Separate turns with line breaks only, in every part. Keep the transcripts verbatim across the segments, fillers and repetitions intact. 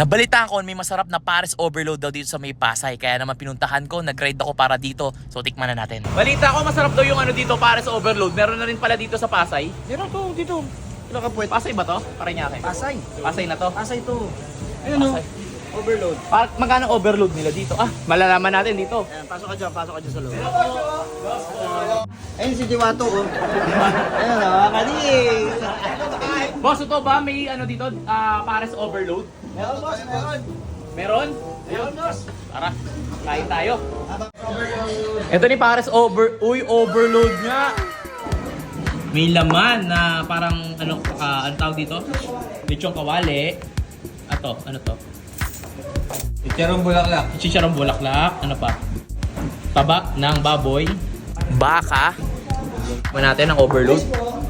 Nabalitaan ko may masarap na Pares Overload daw dito sa may Pasay. Kaya naman pinuntahan ko, nag-ride ako para dito. So tikman na natin. Balita ko masarap daw yung ano dito, Pares Overload. Meron na rin pala dito sa Pasay.
Meron to dito. Pinakapuwet.
Pasay ba to? Paranaque.
Pasay.
Pasay na to.
Pasay to. Ayun o.
Pasay.
Overload.
Para, magkano overload nila dito? Ah, malalaman natin dito.
Ayan, pasok ka dyan, pasok ka dyan sa loob. Ayun si Diwato oh. Ayun o, kadi.
Boss, ito ba may ano dito, ah, Pares Overload?
Meron boss, meron.
Meron?
Meron boss.
Tara, kain tayo. Ito ni Pares Over... Uy, overload nga! May laman na parang ano, uh, ano tawag dito? Lechong kawali. Ato, ano to?
Chicharong bulaklak.
Chicharong bulaklak. Ano pa? Taba ng baboy. Baka. Tikman natin ang overload.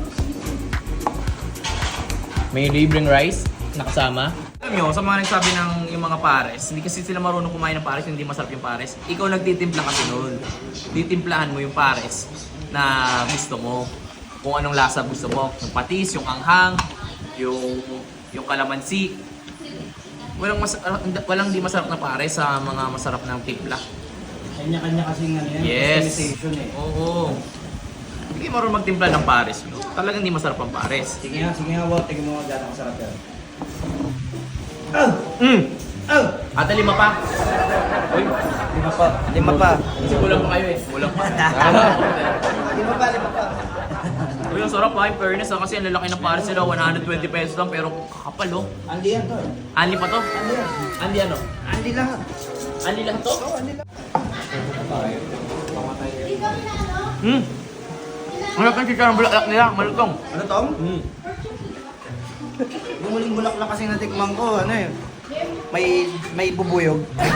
May libreng rice na kasama. Alam nyo, sa mga nagsabi ng yung mga pares, hindi kasi sila marunong kumain ng pares, hindi masarap yung pares. Ikaw nagtitimpla kasi nun. Titimplahan mo yung pares na gusto mo. Kung anong lasa gusto mo. Yung patis, yung anghang, yung, yung kalamansi. Walang, mas, walang di masarap na pares sa mga masarap ng timpla.
Kanya-kanya kasing ano yan.
Yes.
Customization eh.
Oo. Hindi kayo marunong magtimpla ng pares. No? Talagang hindi masarap ang pares.
Sige nga, sige nga, wow. Tingnan mo nga gano'ng kasarap yan. Oh!
Mm.
Oh!
Ate, lima pa. Uy,
Lima pa. Lima pa.
kasi kulang pa kayo eh. Kulang pa.
Lima pa, lima pa.
Uy, ang sarap ha, in fairness ha, kasi ang lalaki ng pares nila, one hundred twenty pesos lang, pero kakapal oh.
Andi yan to eh.
Anli pa to?
Andi yan.
Anli ano?
Andi lahat.
Anli lang to?
Oo, andi lahat.
Hmm. Ang laki ng chicharong bulaklak nila, malutong.
Ano Tom?
Hmm.
Yung muling bulaklak kasi natikman ko, ano eh. May, may bubuyog.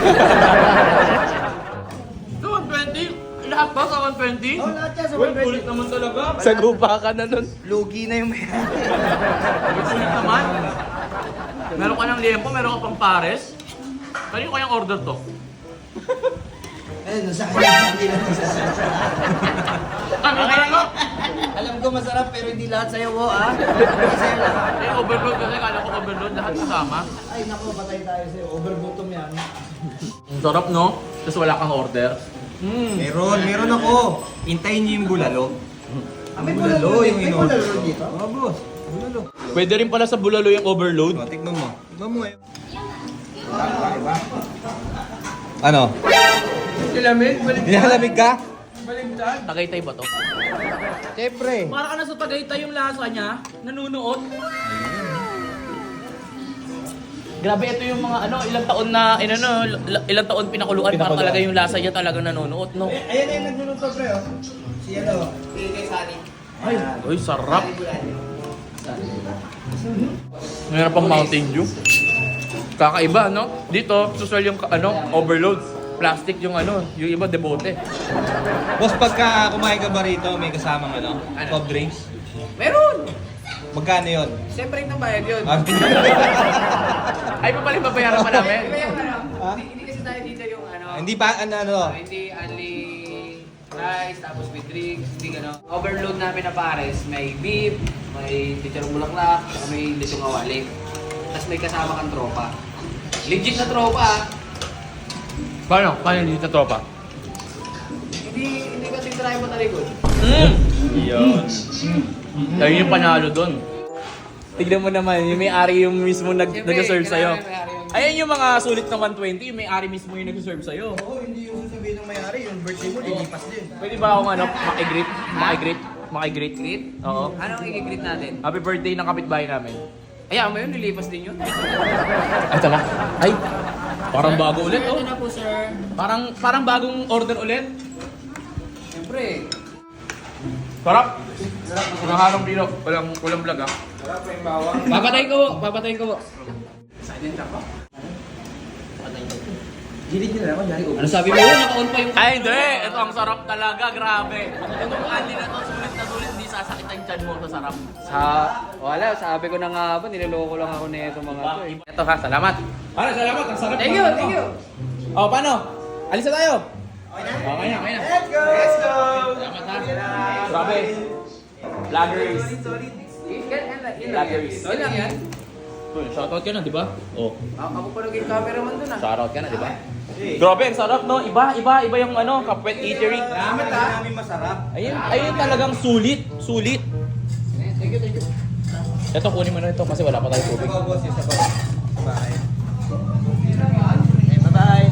So, one twenty? Lahat ba sa one twenty?
Oh, lahat yan sa
Uy,
one twenty.
kulit naman talaga. Sagupa ka na nun.
Lugi na yung may
Kulit naman. Meron ka ng liempo, meron ka pang pares. Kanino kayang order to?
Ayun, nasa kanya. Hindi lang nasa
Ano ka na?
Alam ko masarap pero hindi lahat sa'yo, wo ah. Hindi sa'yo lahat.
Eh, overload kasi. Kala ko overload. Lahat kasama.
Ay, naku, patay tayo sa'yo. Overbottom yan.
Ang sarap, no? Tapos wala kang order. Mm.
Meron, meron ako. Hintayin niyo yung bulalo.
Ah, may
Bulalo,
bulalo,
yung
may
in-order
bulalo
ko.
dito.
Oo, boss. Bulalo.
Pwede rin pala sa bulalo yung overload.
O, tikman mo. Tikman mo ngayon. Ano?
Kilamig? Balik
Nilalamig ka?
Tagaytay ba to?
Siyempre.
Para ka na sa Tagaytay yung lasa niya. Nanunuot. Grabe, ito yung mga ano, ilang taon na, in, ano, l- ilang taon pinakuluan, para
Pinakuluan.
talaga yung lasa niya talaga nanunuot, no?
Eh, ayan yung nagluluto, pre, oh. Si ano?
Ay, ay, sarap. Mayroon pang Mountain Dew. Kakaiba, no? Dito, susual yung ano, overload. Plastic yung ano, yung iba debote.
Boss, pagka kumain ka ba rito, may kasamang ano? Soft drinks?
Meron!
Magkano yun?
Siyempre yung bayad yun.
Ah,
Ay, pa pala babayaran pa namin.
Ha?
Hindi, hindi kasi tayo dito yung ano,
Hindi pa, ano, ano?
hindi only rice, tapos with drinks, hindi gano'n. Overload namin na pares, may beef, may lechong bulaklak, saka may lechong awali. Tapos may kasama kang tropa. Legit na tropa ah.
Paano? Paano hindi na tropa?
Hindi, hindi kasi try mo talikod.
Mm.
Yun.
Ayun yung panalo doon. Tignan mo naman, yung may-ari yung mismo nag
Siyempre,
nag-serve sa'yo.
kailangan may-ari yung-
Ayan yung mga sulit na one twenty, yung may-ari mismo yung nag-serve sa'yo.
Oo, hindi yung sabihin ng may-ari. Yung birthday mo, lilipas din.
Pwede ba akong ano, makigreet? Makigreet? Makigreet?
Greet?
Oo.
Anong i-greet natin?
Happy birthday ng kapitbahay namin.
Ayan mo yun, nilipas din yun.
Ay, ito na. Ay, parang bago ulit,
Ito
oh.
na po, sir.
Parang, parang bagong order ulit.
Siyempre.
Sarap. Walang harong dito. Walang, walang vlog, ah.
Papatayin ko, papatayin ko.
Gilid nyo na naman, yari
Ano sabi mo? Naka-on pa yung...
Ay, hindi. Ito ang sarap talaga. Grabe. Itong candy na to, sulit na sulit. Hindi sasakit ang tiyan mo sa sarap.
Sa... Wala, sabi ko na nga ba, niloloko lang ako na ito mga to eh.
Ito ha, salamat. Ano, salamat. Ang sarap.
Thank you, thank you.
Oh, paano? Alis na tayo. Okay na, okay na.
Let's go! Let's go!
Salamat ha. Grabe. Vloggers.
Yun lang yan.
Vloggers.
Yun lang yan.
Shoutout ka na, di ba? Oh.
A- Ako pa naging cameraman dun ah.
Shoutout ka na, di ba? Grabe, ang sarap, no? Iba, iba, iba yung ano, Kapwet Eatery.
Salamat ha. Namin masarap.
Ayun, ayun talagang sulit, sulit.
Thank you, thank you.
Ito, kunin mo na ito kasi wala pa tayong tubig.
Ikaw, boss, yung sabaw. Bye.
Okay, bye-bye.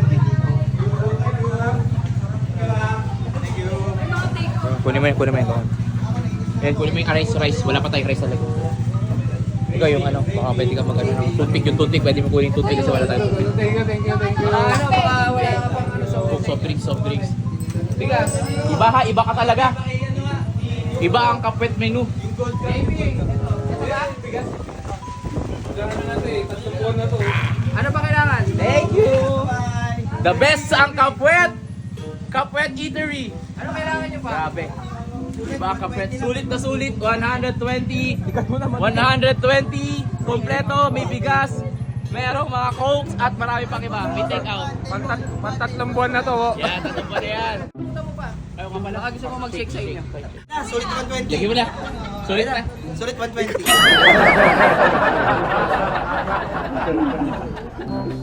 Kunin mo yun, kunin mo yun. Ayan, kunin mo yung rice, rice. Wala pa tayong rice talaga. Ikaw yung ano, baka pwede ka mag ano, toothpick yung toothpick, pwede mo kunin yung toothpick kasi wala tayong toothpick.
Thank you, thank you, thank you. Ah, ano, baka wala ka pang ano sa
Coke, soft drinks, soft drinks.
bigas.
Iba ka, iba ka talaga. Iba ang Kapwet menu.
Baby. Ito ba? Bigas. Ano pa kailangan?
Thank you! The best sa ang Kapwet! Kapwet Eatery!
Ano kailangan nyo pa?
Grabe. Diba Kapwet? Sulit na sulit. one hundred twenty. one hundred twenty. Kompleto. May bigas. Merong mga cokes at marami pang iba. May take out.
Pantat, pantatlong buwan na to.
Yan, tatang pa na yan.
Punta mo pa.
Ayaw ka pala.
Baka gusto mo mag-shake sa inyo.
Na, sulit one twenty.
Lagi mo na. Sulit na.
Sulit one twenty.